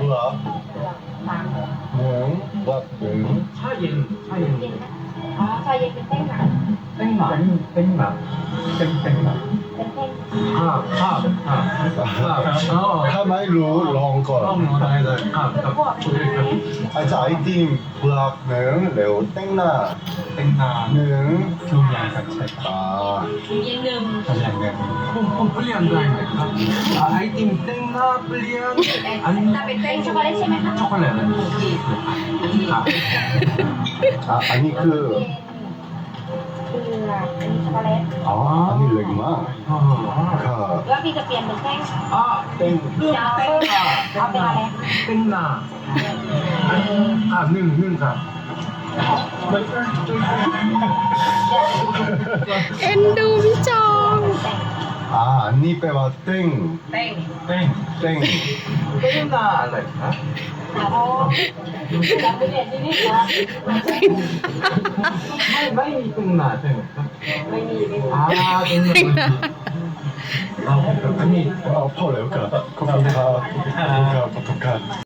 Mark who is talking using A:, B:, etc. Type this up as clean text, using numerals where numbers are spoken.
A: 불악
B: สาม
A: 능 불악 능
C: 차인
B: เย็นนะอ๋อชาเย็นเป็นเต้นหนัง
C: 땡나 땡나 땡땡나
B: เป็นเต้น
A: 카마이루 롱건
B: คือพวกเป็นไง
A: 아이자 아이팀 불악 능 레오 땡나
C: 땡나
A: 능
C: 교양 자체
A: 아
B: เย็นหนึ่ง
C: 폼 플리안 다이메카 아이템 땡나 플리안
B: ถ้าเป็นเต้นช็อกโกแลตใช่ไหมคะ
C: 초콜릿
A: 아 아니 그
B: เกลืออันนี้ช็อกโกแลต
A: 아, 아니 렉마 카
B: แล้วพี่จะเปลี่ยนเป็นแป้ง
C: 아
A: 땡
B: จะเอาเป็นอะไร
C: 땡나 능가
D: เอ็นดูพี่จอง
A: 아 아니 빼와 땡
B: แป้ง
C: 땡
A: 땡
C: 땡나 알라이카
B: อ๋อจะไปเรียนที่นี่เหรอ
C: 마이 땡나 땡나
B: ไม่มีไม่มี
C: 아 땡나 아니
A: 아, 파울레오카 코피카 포토카